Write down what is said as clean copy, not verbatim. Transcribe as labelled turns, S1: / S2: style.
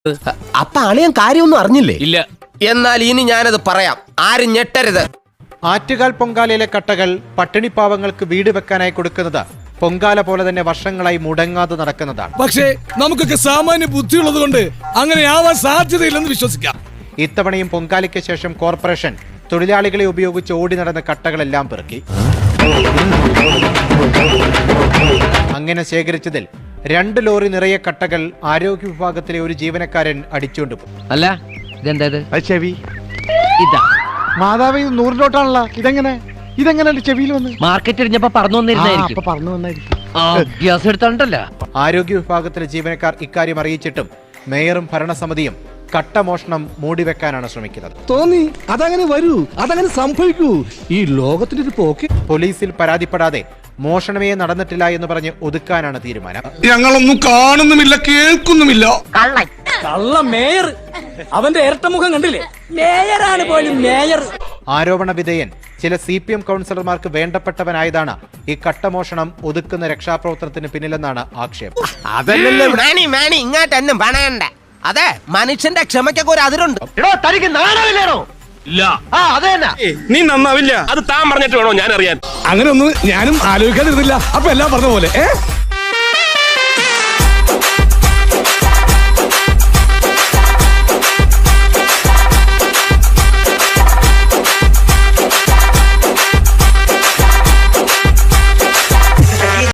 S1: അപ്പൊ അളിയൻ കാര്യമൊന്നും അറിഞ്ഞില്ലേ?
S2: ഇല്ല.
S1: എന്നാൽ ഇനി ഞാനത് പറയാം, ആരും ഞെട്ടരുത്.
S3: ആറ്റുകാൽ പൊങ്കാലയിലെ കട്ടകൾ പട്ടിണിപ്പാവങ്ങൾക്ക് വീട് വെക്കാനായി കൊടുക്കുന്നത് പൊങ്കാല പോലെ തന്നെ വർഷങ്ങളായി മുടങ്ങാതെ നടക്കുന്നതാണ്.
S4: പക്ഷേ നമുക്കൊക്കെ സാമാന്യ ബുദ്ധിയുള്ളത് കൊണ്ട് അങ്ങനെ ആവാൻ സാധ്യതയില്ലെന്ന് വിശ്വസിക്കാം.
S3: ഇത്തവണയും പൊങ്കാലയ്ക്ക് ശേഷം കോർപ്പറേഷൻ തൊഴിലാളികളെ ഉപയോഗിച്ച് ഓടി നടന്ന കട്ടകളെല്ലാം പെറുക്കി. അങ്ങനെ ശേഖരിച്ചതിൽ 2 ലോറി നിറയെ കട്ടകൾ ആരോഗ്യ വിഭാഗത്തിലെ ഒരു ജീവനക്കാരൻ അടിച്ചുകൊണ്ടുപോയി.
S5: അല്ല ഇതെന്താ
S6: ചെവി
S5: ഇതാ
S6: മാതാവ് ഇത് 100 നോട്ടാണല്ലോ. ഇതെങ്ങനെ ചെവിയിൽ വന്ന്
S5: മാർക്കറ്റ് എറിഞ്ഞപ്പോ പറഞ്ഞു വന്നിരുന്നായിരിക്കും.
S6: പറഞ്ഞു വന്നായിരിക്കും.
S5: ഗ്യാസ് എടുത്തോണ്ടല്ല.
S3: ആരോഗ്യ വിഭാഗത്തിലെ ജീവനക്കാർ ഇക്കാര്യം അറിയിച്ചിട്ടും മേയറും ഭരണസമിതിയും കട്ടമോഷണം മൂടിവെക്കാനാണ് ശ്രമിക്കുന്നത്.
S4: തോന്നി അതങ്ങനെ വരൂ, അതങ്ങനെ സംഭവിക്കൂ. ഈ ലോകത്തിന്റെ ഒരു പോക്ക്.
S3: പോലീസിൽ പരാതിപ്പെടാതെ മോഷണമേ നടന്നിട്ടില്ല എന്ന് പറഞ്ഞ് ഒതുക്കാനാണ് തീരുമാനം.
S4: ഞങ്ങളൊന്നും കാണുന്നുമില്ല, കേൾക്കുന്നുമില്ല.
S7: കള്ള മേയർ, അവന്റെ ഇരട്ടമുഖം കണ്ടില്ലേ? മേയറാണ് പോലും മേയർ.
S3: ആരോപണ വിധേയൻ ചില CPM കൗൺസിലർമാർക്ക് വേണ്ടപ്പെട്ടവനായതാണ് ഈ കട്ടമോഷണം ഒതുക്കുന്ന രക്ഷാപ്രവർത്തനത്തിന് പിന്നിലെന്നാണ് ആക്ഷേപം.
S1: അതല്ലല്ലോ മാണി ഇങ്ങോട്ടെന്നും പണയണ്ട. അതെ, മനുഷ്യന്റെ ക്ഷമയ്ക്കൊക്കെ ഒരു അതിരുണ്ട്.
S5: തനിക്ക് നാണമില്ലേണോ?
S2: ഇല്ല.
S4: നീ നന്നാവില്ല.
S2: അത് താൻ പറഞ്ഞിട്ട് വേണോ ഞാൻ അറിയാൻ?
S4: അങ്ങനെ ഒന്നും ഞാനും ആലോചിക്കാതിരുന്നില്ല. അപ്പൊ എല്ലാം പറഞ്ഞ പോലെ